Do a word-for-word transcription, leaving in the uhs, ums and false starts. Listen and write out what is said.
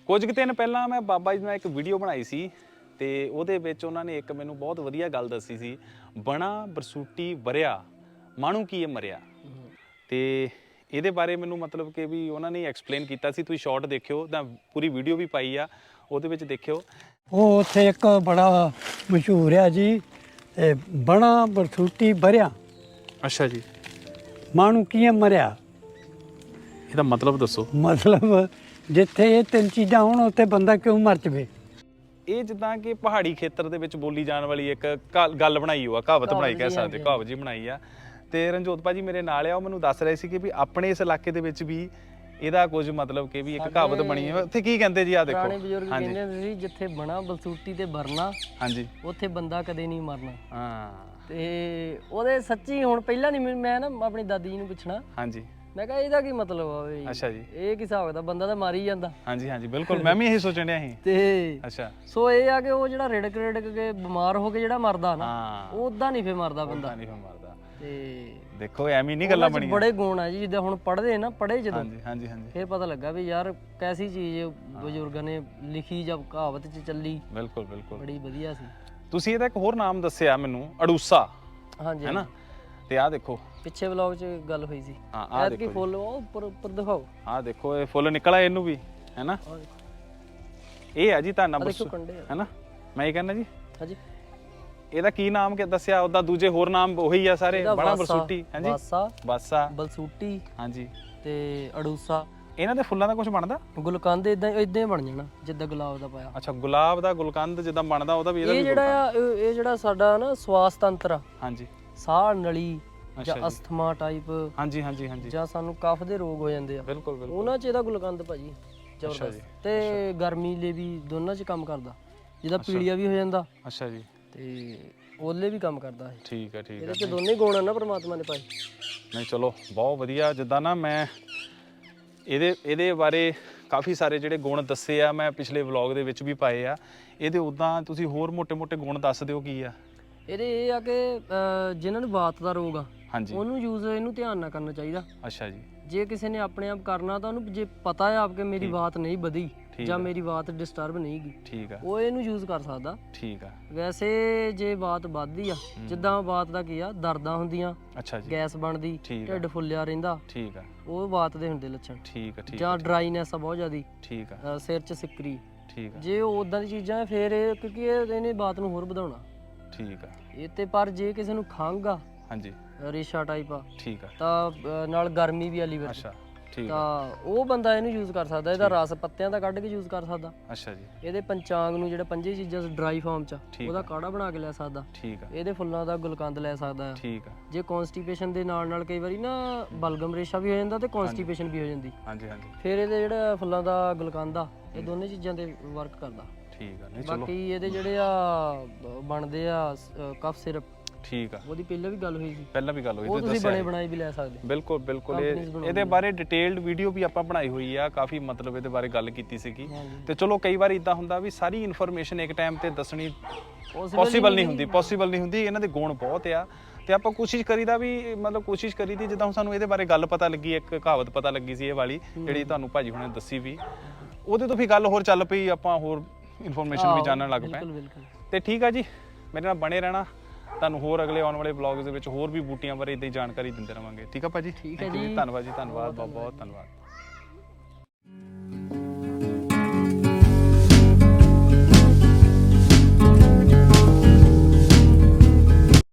ਕੁਝ ਕੁ ਦਿਨ ਪਹਿਲਾਂ ਮੈਂ ਬਾਬਾ ਜੀ ਨਾਲ ਇੱਕ ਵੀਡੀਓ ਬਣਾਈ ਸੀ ਤੇ ਉਹਦੇ ਵਿੱਚ ਉਹਨਾਂ ਨੇ ਇੱਕ ਮੈਨੂੰ ਬਹੁਤ ਵਧੀਆ ਗੱਲ ਦੱਸੀ ਸੀ, ਬਣਾ ਬਰਸੂਟੀ ਵਰਿਆ ਮਾਣੂ ਕੀ ਇਹ ਮਰਿਆ। ਤੇ ਇਹਦੇ ਬਾਰੇ ਮੈਨੂੰ ਮਤਲਬ ਕਿ ਵੀ ਉਹਨਾਂ ਨੇ ਐਕਸਪਲੇਨ ਕੀਤਾ ਸੀ, ਤੁਸੀਂ ਸ਼ਾਰਟ ਦੇਖਿਓ ਤਾਂ ਪੂਰੀ ਵੀਡੀਓ ਵੀ ਪਾਈ ਆ, ਉਹਦੇ ਵਿੱਚ ਦੇਖਿਓ। ਉਹ ਉੱਥੇ ਇੱਕ ਬੜਾ ਮਸ਼ਹੂਰ ਆ ਜੀ, ਬਣਾ ਬਰਸੂਟੀ ਵਰਿਆ ਅੱਛਾ ਜੀ, ਮਾਣੂ ਕੀ ਮਰਿਆ। ਇਹਦਾ ਮਤਲਬ ਦੱਸੋ। ਮਤਲਬ ਜਿੱਥੇ ਇਹ ਤਿੰਨ ਚੀਜ਼ਾਂ ਹੋਣ ਉੱਥੇ ਬੰਦਾ ਕਿਉਂ ਮਰ ਜਾਵੇ। ਇਹ ਜਿੱਦਾਂ ਕਿ ਪਹਾੜੀ ਖੇਤਰ ਦੇ ਵਿੱਚ ਬੋਲੀ ਜਾਣ ਵਾਲੀ ਇੱਕ ਗੱਲ ਬਣਾਈ ਹੋਆ, ਕਹਾਵਤ ਬਣਾਈ ਕਹਿ ਸਕਦੇ, ਕਹਾਵਤ ਜੀ ਬਣਾਈ ਆ। ਤੇ ਰਣਜੋਤ ਭਾਜੀ ਮੇਰੇ ਨਾਲ ਆ, ਉਹ ਮੈਨੂੰ ਦੱਸ ਰਹੇ ਸੀ ਕਿ ਵੀ ਆਪਣੇ ਇਸ ਇਲਾਕੇ ਦੇ ਵਿੱਚ ਵੀ ਇਹਦਾ ਕੁਝ ਮਤਲਬ ਕਿ ਵੀ ਇੱਕ ਕਹਾਵਤ ਬਣੀ ਹੈ। ਉੱਥੇ ਕੀ ਕਹਿੰਦੇ ਜੀ, ਆ ਦੇਖੋ ਪੁਰਾਣੇ ਬਜ਼ੁਰਗ ਕਹਿੰਦੇ ਹੁੰਦੇ ਸੀ ਜਿੱਥੇ ਬਣਾ ਬਲਸੂਟੀ ਤੇ ਵਰਨਾ, ਹਾਂਜੀ, ਉੱਥੇ ਬੰਦਾ ਕਦੇ ਨਹੀਂ ਮਰਨਾ। ਹਾਂ, ਤੇ ਉਹਦੇ ਸੱਚੀ ਹੁਣ ਪਹਿਲਾਂ ਨਹੀਂ, ਮੈਂ ਨਾ ਆਪਣੀ ਦਾਦੀ ਜੀ ਨੂੰ ਪੁੱਛਣਾ, ਹਾਂਜੀ, ਮੈਂ ਕਿਹਾ ਇਹਦਾ ਕੀ ਮਤਲਬ ਆ ਬਈ। ਅੱਛਾ ਜੀ, ਇਹ ਕੀ ਹਿਸਾਬ ਦਾ, ਬੰਦਾ ਤਾਂ ਮਰ ਹੀ ਜਾਂਦਾ। ਹਾਂਜੀ ਹਾਂਜੀ ਬਿਲਕੁਲ, ਮੈਂ ਵੀ ਇਹੀ ਸੋਚਣ ਡਿਆ ਸੀ। ਤੇ ਅੱਛਾ, ਸੋ ਇਹ ਆ ਕਿ ਉਹ ਜਿਹੜਾ ਰਿੜਕ ਰਿੜਕ ਕੇ ਬਿਮਾਰ ਹੋ ਕੇ ਜਿਹੜਾ ਮਰਦਾ ਨਾ, ਉਹ ਉਦਾਂ ਨਹੀਂ ਫੇ ਮਰਦਾ ਬੰਦਾ, ਨਹੀਂ ਫੇ ਮਰਦਾ। ਤੇ ਦੇਖੋ ਐਵੇਂ ਨਹੀਂ ਗੱਲਾਂ ਬਣੀਆਂ, ਬੜੇ ਗੁਣ ਆ ਜੀ। ਜਿੱਦਾਂ ਹੁਣ ਪੜ੍ਹਦੇ ਨਾ, ਪੜ੍ਹੇ ਜਦੋਂ, ਹਾਂਜੀ ਹਾਂਜੀ ਹਾਂਜੀ, ਫੇਰ ਪਤਾ ਲੱਗਾ ਵੀ ਯਾਰ ਕੈਸੀ ਚੀਜ਼ ਬਜ਼ੁਰਗਾਂ ਨੇ ਲਿਖੀ ਜਾਂ ਕਹਾਵਤ 'ਚ ਚੱਲੀ। ਬਿਲਕੁਲ ਬਿਲਕੁਲ, ਬੜੀ ਵਧੀਆ ਸੀ। ਤੁਸੀਂ ਇਹਦਾ ਇੱਕ ਹੋਰ ਨਾਮ ਦੱਸਿਆ ਮੈਨੂੰ, ਅੜੂਸਾ, ਹਾਂਜੀ ਹੈ ਨਾ। ਤੇ ਆਹ ਦੇਖੋ ਪਿੱਛੇ ਵਲੌਗ 'ਚ ਗੱਲ ਹੋਈ ਸੀ। ਹਾਂ, ਆਹ ਦੇਖੋ ਕੀ ਫੁੱਲ ਉਹ ਉੱਪਰ ਉੱਪਰ ਦਿਖਾਓ। ਆਹ ਦੇਖੋ ਇਹ ਫੁੱਲ ਨਿਕਲਿਆ ਇਹਨੂੰ ਵੀ, ਹੈ ਨਾ। ਇਹ ਆ ਜੀ ਧਾਨਾ ਬਰਸੂ, ਹੈ ਨਾ। ਮੈਂ ਇਹ ਕਹਿੰਦਾ ਜੀ, ਹਾਂਜੀ, ਇਹਦਾ ਕੀ ਨਾਮ ਕਿ ਦੱਸਿਆ, ਉਹਦਾ ਦੂਜੇ ਹੋਰ ਨਾਮ ਉਹੀ ਆ ਸਾਰੇ, ਬਣਾ ਬਰਸੂਟੀ, ਹਾਂਜੀ, ਬਾਸਾ ਬਾਸਾ ਬਲਸੂਟੀ, ਹਾਂਜੀ, ਤੇ ਅੜੂਸਾ। ਇਹਨਾਂ ਦੇ ਫੁੱਲਾਂ ਦਾ ਕੁਝ ਬਣਦਾ, ਗੁਲਕੰਦ ਇਦਾਂ ਇਦਾਂ ਹੀ ਬਣ ਜਾਣਾ ਜਿੱਦਾਂ ਗੁਲਾਬ ਦਾ ਪਾਇਆ। ਅੱਛਾ, ਗੁਲਾਬ ਦਾ ਗੁਲਕੰਦ ਜਿੱਦਾਂ ਬਣਦਾ ਉਹਦਾ ਵੀ ਇਹਦਾ ਵੀ ਜਿਹੜਾ ਇਹ ਜਿਹੜਾ ਸਾਡਾ ਨਾ ਸਵਾਸ ਤੰਤਰ ਆ, ਹਾਂਜੀ, ਸਾਹ ਨਲੀ ਜਾਂ ਅਸਥਮਾ ਟਾਈਪ, ਹਾਂਜੀ ਹਾਂਜੀ ਹਾਂਜੀ, ਜਾਂ ਸਾਨੂੰ ਕਫ ਦੇ ਰੋਗ ਹੋ ਜਾਂਦੇ ਆ, ਬਿਲਕੁਲ ਬਿਲਕੁਲ, ਉਹਨਾਂ 'ਚ ਇਹਦਾ ਗੁਲਕੰਦ ਭਾਜੀ ਜ਼ਬਰਦਸਤ। ਤੇ ਗਰਮੀ ਲਈ ਵੀ ਦੋਨਾਂ 'ਚ ਕੰਮ ਕਰਦਾ, ਜਿਹਦਾ ਪੀਲੀਆ ਵੀ ਹੋ ਜਾਂਦਾ। ਅੱਛਾ ਜੀ, ਤੇ ਉਹਲੇ ਵੀ ਕੰਮ ਕਰਦਾ ਹੈ। ਠੀਕ ਹੈ ਠੀਕ ਹੈ, ਇਹਦੇ 'ਚ ਦੋਨੇ ਗੁਣ ਆ ਨਾ ਪਰਮਾਤਮਾ ਨੇ ਪਾਏ। ਨਹੀਂ ਚਲੋ ਬਹੁਤ ਵਧੀਆ। ਜਿੱਦਾਂ ਨਾ ਮੈਂ ਇਹਦੇ ਇਹਦੇ ਬਾਰੇ ਕਾਫੀ ਸਾਰੇ ਜਿਹੜੇ ਗੁਣ ਦੱਸੇ ਆ, ਮੈਂ ਪਿਛਲੇ ਵਲੌਗ ਦੇ ਵਿੱਚ ਵੀ ਪਾਏ ਆ। ਇਹਦੇ ਉੱਦਾਂ ਤੁਸੀਂ ਹੋਰ ਮੋਟੇ ਮੋਟੇ ਗੁਣ ਦੱਸ ਦਿਓ ਕੀ ਆ ਇਹਦੇ। ਇਹ ਆ ਕਿ ਜਿਨ੍ਹਾਂ ਨੂੰ ਵਾਤ ਦਾ ਰੋਗ ਆ, ਹਾਂਜੀ, ਉਹਨੂੰ ਯੂਜ਼ ਇਹਨੂੰ ਧਿਆਨ ਨਾਲ ਕਰਨਾ ਚਾਹੀਦਾ। ਅੱਛਾ ਜੀ, ਜੇ ਕਿਸੇ ਨੇ ਆਪਣੇ ਆਪ ਕਰਨਾ ਤਾਂ ਉਹਨੂੰ ਜੇ ਪਤਾ ਹੈ ਆਪ ਕਿ ਮੇਰੀ ਵਾਤ ਨਹੀਂ ਵਧੀ ਜਾਂ ਮੇਰੀ ਵਾਤ ਡਿਸਟਰਬ ਨਹੀਂ ਗਈ, ਠੀਕ ਆ, ਉਹ ਇਹਨੂੰ ਯੂਜ਼ ਕਰ ਸਕਦਾ। ਠੀਕ ਆ। ਵੈਸੇ ਜੇ ਵਾਤ ਵੱਧਦੀ ਆ, ਜਿੱਦਾਂ ਵਾਤ ਦਾ ਕੀ ਆ, ਦਰਦਾਂ ਹੁੰਦੀਆਂ, ਅੱਛਾ ਜੀ, ਗੈਸ ਬਣਦੀ, ਢਿੱਡ ਫੁੱਲਿਆ ਰਹਿੰਦਾ, ਠੀਕ ਆ, ਉਹ ਵਾਤ ਦੇ ਹੁੰਦੇ ਲੱਛਣ। ਠੀਕ ਆ ਠੀਕ ਆ। ਜਾਂ ਡਰਾਈਨੈਸ ਆ ਬਹੁਤ ਜ਼ਿਆਦੀ, ਠੀਕ ਆ, ਸਿਰ 'ਚ ਸਿੱਕਰੀ, ਠੀਕ ਆ, ਜੇ ਉਹ ਉਦਾਂ ਦੀ ਚੀਜ਼ਾਂ ਫਿਰ ਇਹ ਕਿਉਂਕਿ ਇਹ ਇਹਨੇ ਵਾਤ ਨੂੰ ਹੋਰ ਵਧਾਉਣਾ। ਠੀਕ ਆ। ਇਹ ਤੇ ਪਰ ਜੇ ਕਿਸੇ ਨੂੰ ਖੰਘ ਆ, ਹਾਂਜੀ, ਰੇਸ਼ਾ ਟਾਈਪ ਆ, ਠੀਕ ਆ, ਤਾਂ ਨਾਲ ਗਰਮੀ ਵੀ ਆ ਲੀਵਰ 'ਚ, ਅੱਛਾ, ਠੀਕ ਆ, ਤਾਂ ਉਹ ਬੰਦਾ ਇਹਨੂੰ ਯੂਜ਼ ਕਰ ਸਕਦਾ। ਇਹਦਾ ਰਸ ਪੱਤਿਆਂ ਦਾ ਕੱਢ ਕੇ ਯੂਜ਼ ਕਰ ਸਕਦਾ। ਅੱਛਾ ਜੀ। ਇਹਦੇ ਪੰਚਾਂਗ ਨੂੰ ਜਿਹੜਾ ਪੰਜੇ ਚੀਜ਼ਾਂ ਡਰਾਈ ਫਾਰਮ 'ਚ, ਉਹਦਾ ਕਾੜਾ ਬਣਾ ਕੇ ਲੈ ਸਕਦਾ। ਠੀਕ ਆ। ਇਹਦੇ ਫੁੱਲਾਂ ਦਾ ਗੁਲਕੰਦ ਲੈ ਸਕਦਾ। ਠੀਕ ਆ। ਜੇ ਕੌਨਸਟੀਪੇਸ਼ਨ ਦੇ ਨਾਲ ਨਾਲ ਕਈ ਵਾਰੀ ਨਾ ਬਲਗਮ ਰੇਸ਼ਾ ਵੀ ਹੋ ਜਾਂਦਾ ਤੇ ਕੌਨਸਟੀਪੇਸ਼ਨ ਵੀ ਹੋ ਜਾਂਦੀ, ਹਾਂਜੀ ਹਾਂਜੀ, ਫਿਰ ਇਹਦੇ ਜਿਹੜਾ ਫੁੱਲਾਂ ਦਾ ਗੁਲਕੰਦ ਆ, ਇਹ ਦੋਨੇ ਚੀਜ਼ਾਂ ਤੇ ਵਰਕ ਕਰਦਾ। ਠੀਕ ਆ। ਨਹੀਂ ਚਲੋ, ਬਾਕੀ ਇਹਦੇ ਜਿਹੜੇ ਆ ਬਣਦੇ ਆ ਕਫ ਸਿਰਪ, ਠੀਕ ਆ, ਉਹਦੀ ਪਹਿਲਾਂ ਵੀ ਗੱਲ ਹੋਈ ਸੀ, ਪਹਿਲਾਂ ਵੀ ਗੱਲ ਹੋਈ, ਉਹ ਤੁਸੀਂ ਬਣੇ ਬਣਾਏ ਵੀ ਲੈ ਸਕਦੇ। ਬਿਲਕੁਲ ਬਿਲਕੁਲ, ਇਹਦੇ ਬਾਰੇ ਡਿਟੇਲਡ ਵੀਡੀਓ ਵੀ ਆਪਾਂ ਬਣਾਈ ਹੋਈ ਆ, ਕਾਫੀ ਮਤਲਬ ਇਹਦੇ ਬਾਰੇ ਗੱਲ ਕੀਤੀ ਸੀਗੀ। ਤੇ ਚਲੋ ਕਈ ਵਾਰ ਇਦਾਂ ਹੁੰਦਾ ਵੀ ਸਾਰੀ ਇਨਫੋਰਮੇਸ਼ਨ ਇੱਕ ਟਾਈਮ ਤੇ ਦੱਸਣੀ ਪੋਸੀਬਲ ਨਹੀਂ ਹੁੰਦੀ, ਪੋਸੀਬਲ ਨਹੀਂ ਹੁੰਦੀ। ਇਹਨਾਂ ਦੇ ਗੁਣ ਬਹੁਤ ਆ ਤੇ ਆਪਾਂ ਕੋਸ਼ਿਸ਼ ਕਰੀਦਾ ਵੀ, ਮਤਲਬ ਕੋਸ਼ਿਸ਼ ਕਰੀਦੀ ਜਿੱਦਾਂ ਹੁਣ ਸਾਨੂੰ ਇਹਦੇ ਬਾਰੇ ਗੱਲ ਪਤਾ ਲੱਗੀ, ਇੱਕ ਕਹਾਵਤ ਪਤਾ ਲੱਗੀ ਸੀ ਇਹ ਵਾਲੀ ਜਿਹੜੀ ਤੁਹਾਨੂੰ ਭਾਜੀ ਹੁਣੇ ਦੱਸੀ ਵੀ, ਉਹਦੇ ਤੋਂ ਵੀ ਗੱਲ ਹੋਰ ਚੱਲ ਪਈ, ਆਪਾਂ ਹੋਰ ਇਨਫੋਰਮੇਸ਼ਨ ਵੀ ਜਾਣਨ ਲੱਗ ਪਏ। ਤੇ ਠੀਕ ਆ ਜੀ, ਮੇਰੇ ਨਾਲ ਬਣੇ ਰਹਿਣਾ, ਤੁਹਾਨੂੰ ਹੋਰ ਅਗਲੇ ਆਉਣ ਵਾਲੇ ਵਲੌਗਸ ਦੇ ਵਿੱਚ ਹੋਰ ਵੀ ਬੂਟੀਆਂ ਬਾਰੇ ਇਦਾਂ ਹੀ ਜਾਣਕਾਰੀ ਦਿੰਦੇ ਰਵਾਂਗੇ। ਠੀਕ ਆ ਭਾਜੀ, ਠੀਕ ਹੈ ਜੀ, ਧੰਨਵਾਦ ਜੀ, ਧੰਨਵਾਦ, ਬਹੁਤ ਬਹੁਤ ਧੰਨਵਾਦ।